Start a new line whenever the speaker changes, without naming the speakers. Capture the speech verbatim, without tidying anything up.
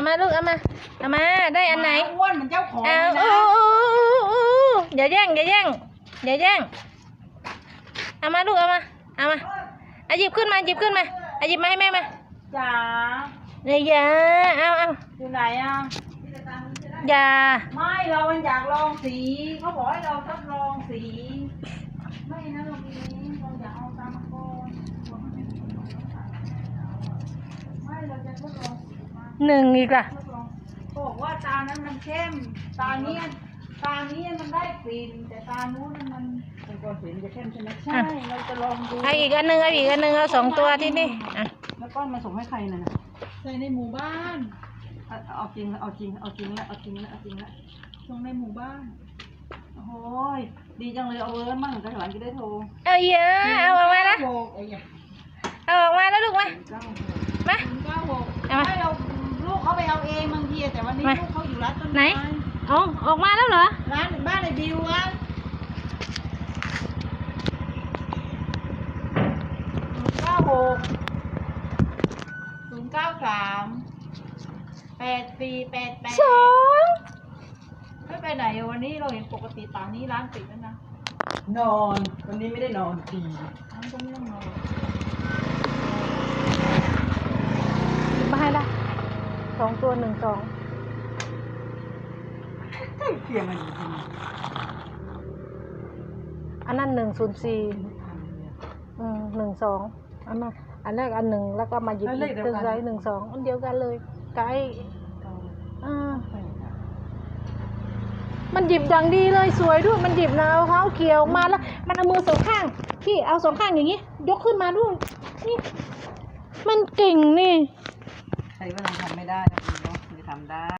มาลูกเอามาเอามาได้อันไหน
อ้วนเหมือนเจ้าของ
เอา
นะ
อย่าแย่งอย่าแย่งอย่าแย่งเอามาลูกเอามาเอามาเอาหยิบขึ้นมาหยิบขึ้นมาเอาหยิบมาให้แม่มา
จ๋า
เนี่ยอย่าเอาเอา
อยู่ไหนอ่ะ
อย่า
ไม่เราอยากลองสีเขาบอกให้เราทดลองสีไม่นะเรามีเราอยากเอาตามมาก่อนไม่เราจะทดลองสีมา
หนึ่งอีกล่ะ
บอกว่าตานั้นมันเข้มตานี้ตานี้มันได้กลิ่นแต่ตานู้นมันเป็นก้อนสีมันจะเข้มใช่ไหมใช่เราจะลองดู
เอาอีกอันหนึ่งเอาอีกอันหนึ่งเอาสองตัวที่นี่อ่ะ
แล้วก้อนมาส่งให้ใครน่ะใส่ในหมู่บ้านเอาจริงเอาจริงเอาจริงแล้วเอาจริงแล้วเอาจริงแล้วส่งในหมู่บ้านโอ้ยดีจังเลยเอาเวิร์ดมั่งแต่หลังจะได้โทร
เอาเยอะเอาออกมาแล้วเอาออกมาแล้วลูกมามา
เอามาให้เราลูกเขาไปเอาเองบางทีแต่วันนี้ลูกเขาอยู่ร้านต้นไม้
ไหนอ๋อออกมาแล้วเหรอ
ร้านบ้านในบิวอ่ะศูนย์เก้าหกศูนย์เก้าสามแปดสี่แปดแปด
สอง
ไม่ไปไหนวันนี้เราเห็นปกติตานี้ร้านปิดแล้วนะนอนวันนี้ไม่ได้นอนดีร้านก็ไม่ต้องนอน
มาให้ละสองตัวหนึ่งสอง
ใกล้เคียงกันจริง
อันนั้นหนึ่งศูนย์สี่อืมหนึ่งสองอันนั้นอันแรกอันหนึ่งแล้วก็มาหยิบอีกตึ้งไรหนึ่งสองอันเดียวกันเลยไกด์อ่ามันหยิบอย่างดีเลยสวยด้วยมันหยิบนะเอาเท้าเกี่ยวมาแล้วมันเอามือสองข้างพี่เอาสองข้างอย่างนี้ยกขึ้นมาด้วยนี่มันเก่งนี่
ใครว่าเราทำไม่ได้เราจะทำได้